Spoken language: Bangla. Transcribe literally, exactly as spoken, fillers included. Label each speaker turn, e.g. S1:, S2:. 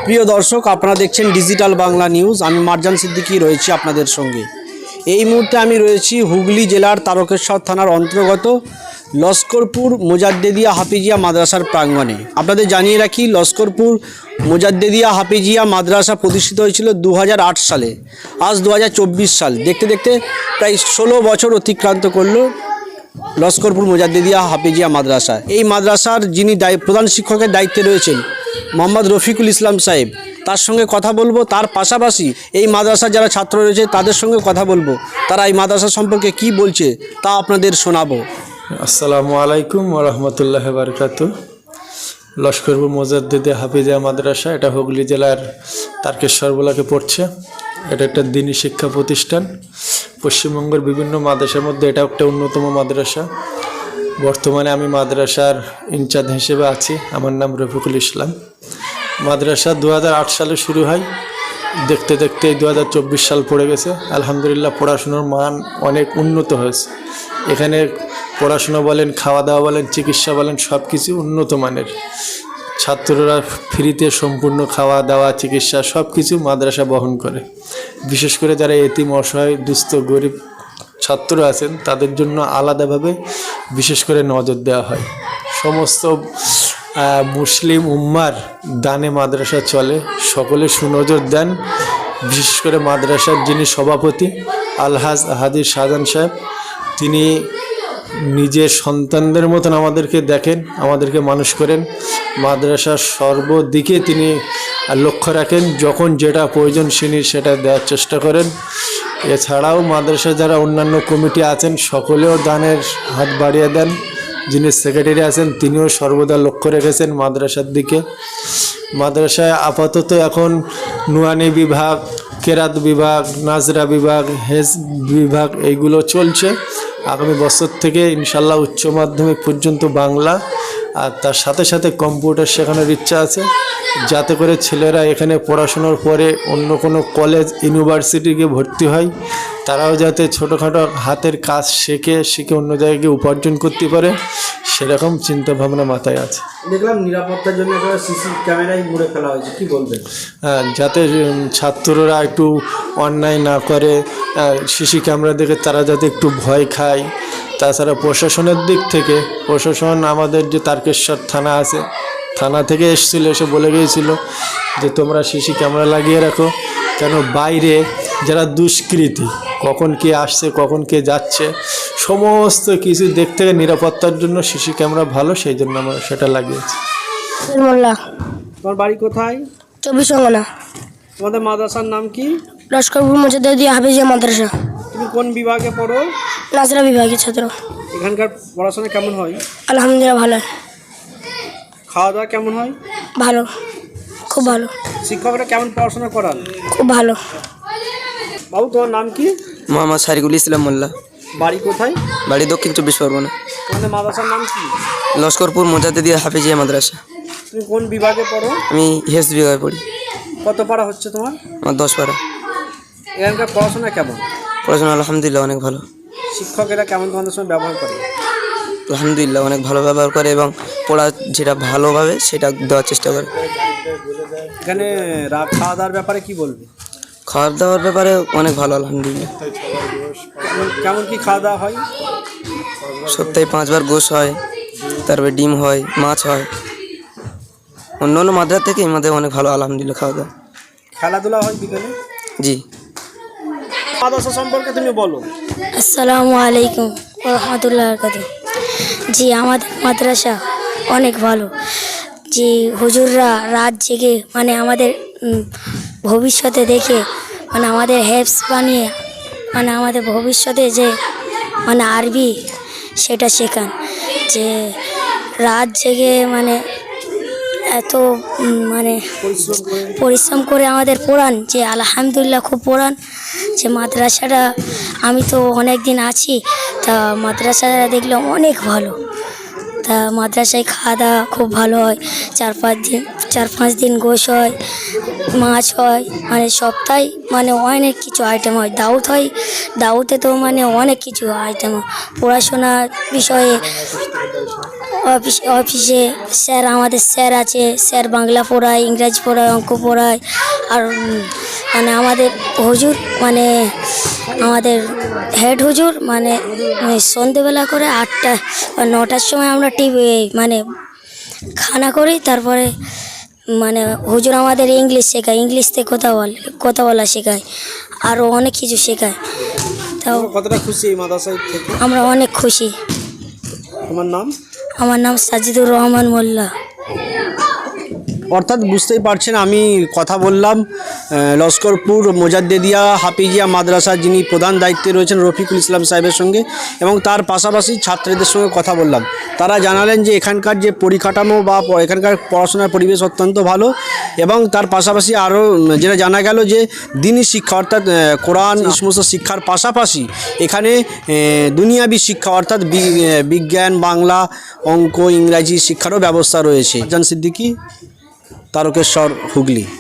S1: প্রিয় দর্শক, আপনারা দেখছেন ডিজিটাল বাংলা নিউজ। আমি মারজান সিদ্দিকী রয়েছি আপনাদের সঙ্গে। এই মুহূর্তে আমি রয়েছি হুগলি জেলার তারকেশ্বর থানার অন্তর্গত লস্করপুর মোজাদ্দেদিয়া হাফিজিয়া মাদ্রাসার প্রাঙ্গণে। আপনাদের জানিয়ে রাখি, লস্করপুর মোজাদ্দেদিয়া হাফিজিয়া মাদ্রাসা প্রতিষ্ঠিত হয়েছিল দু হাজার আট সালে। আজ দু হাজার চব্বিশ সাল, দেখতে দেখতে প্রায় ষোলো বছর অতিক্রান্ত করলো লস্করপুর মোজাদ্দেদিয়া হাফিজিয়া মাদ্রাসা। এই মাদ্রাসার যিনি প্রধান শিক্ষকের দায়িত্বে রয়েছেন মোহাম্মদ রফিকুল ইসলাম সাহেব, তার সঙ্গে কথা বলবো। তার পাশাপাশি এই মাদ্রাসার যারা ছাত্র রয়েছে তাদের সঙ্গে কথা বলবো, তারা এই মাদ্রাসা সম্পর্কে কি বলছে তা আপনাদের শোনাবো।
S2: আসসালামু আলাইকুম ওয়া রাহমাতুল্লাহি ওয়া বারাকাতুহু। লস্করপুর মোজাদ্দেদিয়া হাফিজিয়া মাদ্রাসা, এটা হুগলি জেলার তারকেশ্বর ব্লকে পড়ছে। এটা একটা দ্বীনি শিক্ষা প্রতিষ্ঠান। পশ্চিমবঙ্গের বিভিন্ন মাদ্রাসার মধ্যে এটা একটা অন্যতম মাদ্রাসা। বর্তমানে আমি মাদ্রাসার ইনচার্জ হিসেবে আছি। আমার নাম রফিকুল ইসলাম। মাদ্রাসা দু হাজার আট সালে শুরু হয়, দেখতে দেখতে দু হাজার চব্বিশ সাল পড়ে গেছে। আলহামদুলিল্লাহ, পড়াশুনোর মান অনেক উন্নত হয়েছে। এখানে পড়াশুনো বলেন, খাওয়া দাওয়া বলেন, চিকিৎসা বলেন, সব কিছু উন্নত মানের। ছাত্ররা ফ্রিতে সম্পূর্ণ খাওয়া দাওয়া, চিকিৎসা সব কিছু মাদ্রাসা বহন করে। বিশেষ করে যারা এতিম, অসহায়, দুস্থ, গরিব ছাত্র আছেন তাদের জন্য আলাদাভাবে বিশেষ করে নজর দেওয়া হয়। সমস্ত মুসলিম উম্মার দানে মাদ্রাসা চলে, সকলে সুনজর দেন। বিশেষ করে মাদ্রাসার যিনি সভাপতি আলহাজ হাদির শাহজাহান সাহেব, তিনি নিজের সন্তানদের মতন আমাদেরকে দেখেন, আমাদেরকে মানুষ করেন। মাদ্রাসার সর্বদিকে তিনি লক্ষ্য রাখেন, যখন যেটা প্রয়োজন তিনি সেটা দেওয়ার চেষ্টা করেন। এছাড়াও মাদ্রাসায় যারা অন্যান্য কমিটি আছেন সকলেও দানের হাত বাড়িয়ে দেন। যিনি সেক্রেটারি আছেন তিনিও সর্বদা লক্ষ্য রেখেছেন মাদ্রাসার দিকে। মাদ্রাসায় আপাতত এখন নুরানি বিভাগ, কেরাত বিভাগ, নাজরা বিভাগ, হেজ বিভাগ এইগুলো চলছে। আগামী বছর থেকে ইনশাল্লাহ উচ্চ মাধ্যমিক পর্যন্ত বাংলা, আর তার সাথে সাথে কম্পিউটার শেখানোর ইচ্ছা আছে, যাতে করে ছেলেরা এখানে পড়াশোনার পরে অন্য কোনো কলেজ, ইউনিভার্সিটিকে ভর্তি হয়, তারাও যাতে ছোটোখাটো হাতের কাজ শেখে শিখে অন্য জায়গায় উপার্জন করতে পারে, সেরকম চিন্তা ভাবনা মাথায় আছে।
S1: দেখলাম নিরাপত্তার জন্য একটা সিসি ক্যামেরাই মুড়ে ফেলা হয়েছে, কি বলবেন?
S2: হ্যাঁ, যাতে ছাত্ররা একটু অন্যায় না করে, সিসি ক্যামেরা দেখে তারা যাতে একটু ভয় খায়। তাছাড়া প্রশাসনের দিক থেকে, প্রশাসন আমাদের যে তারকেশ্বর থানা আছে, থানা থেকে এসেছিলো, এসে বলে গিয়েছিল যে তোমরা সিসি ক্যামেরা লাগিয়ে রাখো, কেন বাইরে যারা দুষ্কৃতী কখন কে আসছে কখন কে যাচ্ছে সমস্ত কিছু দেখতে নিরাপত্তার জন্য সিসি ক্যামেরা ভালো, সেই জন্য আমরা সেটা লাগিয়েছি।
S1: তোমার বাড়ি কোথায়?
S3: চব্বিশ পরগনা।
S1: তোমাদের মাদ্রাসার নাম কি?
S3: লস্করপুর মোজাদ্দেদিয়া হাফিজিয়া মাদ্রাসা।
S1: তুমি কোন বিভাগে পড়ো?
S3: নাজরা বিভাগের ছাত্র।
S1: এখানকার পড়াশোনা কেমন হয়?
S3: আলহামদুলিল্লাহ ভালো।
S1: খাওয়া দাওয়া কেমন হয়?
S3: ভালো, খুব ভালো।
S1: শিক্ষকরা কেমন পড়াশোনা করান?
S3: খুব ভালো।
S1: বাবু, তোমার নাম কি?
S4: মোহাম্মদ সারিকুল ইসলাম মোল্লা।
S1: বাড়ি কোথায়?
S4: বাড়ি দক্ষিণ চব্বিশ পরগনা।
S1: তোমাদের মাদ্রাসার নাম কি?
S4: লস্করপুর মোজাদ্দেদিয়া হাফিজিয়া মাদ্রাসা।
S1: তুমি কোন বিভাগে পড়ো?
S4: আমি হেস বিভাগে পড়ি।
S1: কত পারা হচ্ছে তোমার?
S4: আমার দশ পারা।
S1: এখানকার পড়াশোনা কেমন?
S4: পড়াশোনা আলহামদুলিল্লাহ অনেক ভালো।
S1: শিক্ষকেরা কেমন তোমাদের সঙ্গে ব্যবহার করে?
S4: আলহামদুলিল্লাহ অনেক ভালো ব্যবহার করে এবং পড়া যেটা ভালোভাবে সেটা দেওয়ার চেষ্টা করে।
S1: এখানে খাওয়া দাওয়ার ব্যাপারে কি বলবে?
S4: খাওয়া দাওয়ার ব্যাপারে অনেক ভালো আলহামদুলিল্লাহ।
S1: কেমন কি খাওয়া দাওয়া হয়?
S4: সপ্তাহে পাঁচবার গোশ হয়, তারপরে ডিম হয়, মাছ হয়। অন্য অন্য মাদ্রাসা থেকে আমাদের অনেক ভালো আলহামদুলিল্লাহ খাওয়া দাওয়া।
S1: খেলাধুলা হয় বিকেলে?
S4: জি।
S1: মাদ্রাসা সম্পর্কে তুমি বলো।
S3: আসসালামু আলাইকুম ওয়া রাহমাতুল্লাহি ওয়া বারাকাতুহু। জি, আমাদের মাদ্রাসা অনেক ভালো। যে হুজুররা রাত জেগে মানে আমাদের ভবিষ্যতে দেখে মানে আমাদের হেফস বানিয়ে মানে আমাদের ভবিষ্যতে যে মানে আরবি সেটা শেখান। যে রাত জেগে মানে এত মানে পরিশ্রম করে আমাদের পড়ান, যে আলহামদুলিল্লাহ খুব পড়ান। যে মাদ্রাসাটা আমি তো অনেক দিন আছি, তা মাদ্রাসাটা দেখলাম অনেক ভালো। তা মাদ্রাসায় খাওয়া দাওয়া খুব ভালো হয়। চার পাঁচ দিন চার পাঁচ দিন গোশ হয়, মাছ হয়, মানে সপ্তাহে মানে অনেক কিছু আইটেম হয়। দাউত হয়, দাউতে তো মানে অনেক কিছু আইটেম হয়। পড়াশোনার বিষয়ে অফিস অফিসে স্যার আমাদের স্যার আছে, স্যার বাংলা পড়ায়, ইংরাজি পড়ায়, অঙ্ক পড়ায়। আর উম, মানে আমাদের হুজুর মানে আমাদের হেড হুজুর মানে ওই সন্ধেবেলা করে আটটা বা নটার সময় আমরা টিভি মানে খানা করি, তারপরে মানে হুজুর আমাদের ইংলিশ শেখায়, ইংলিশ থেকে কথা বলে কথা বলা শেখায়, আরও অনেক কিছু শেখায়। তাও
S1: কতটা খুশি এই মাদ্রাসায় থেকে?
S3: আমরা অনেক খুশি।
S1: তোমার নাম?
S3: আমার নাম সাজিদুর রহমান মোল্লা।
S1: অর্থাৎ বুঝতেই পারছেন, আমি কথা বললাম আহ, লস্করপুর মোজাদ্দেদিয়া হাফিজিয়া মাদ্রাসার যিনি প্রধান দায়িত্বে রয়েছেন রফিকুল ইসলাম সাহেবের সঙ্গে, এবং তার পাশাপাশি ছাত্রীদের সঙ্গে কথা বললাম। তারা জানালেন যে এখানকার যে পরিকাঠামো বা প- এখানকার পড়াশোনার পরিবেশ অত্যন্ত ভালো, এবং তার পাশাপাশি আরও যেটা জানা গেল যে দিনই শিক্ষা অর্থাৎ আহ, কোরআন এই সমস্ত শিক্ষার পাশাপাশি এখানে আহ, দুনিয়াবি শিক্ষা অর্থাৎ বি- আহ, বিজ্ঞান, বাংলা, অঙ্ক, ইংরাজি শিক্ষারও ব্যবস্থা রয়েছে। জান সিদ্দিকী, তারকেশ্বর, হুগলি।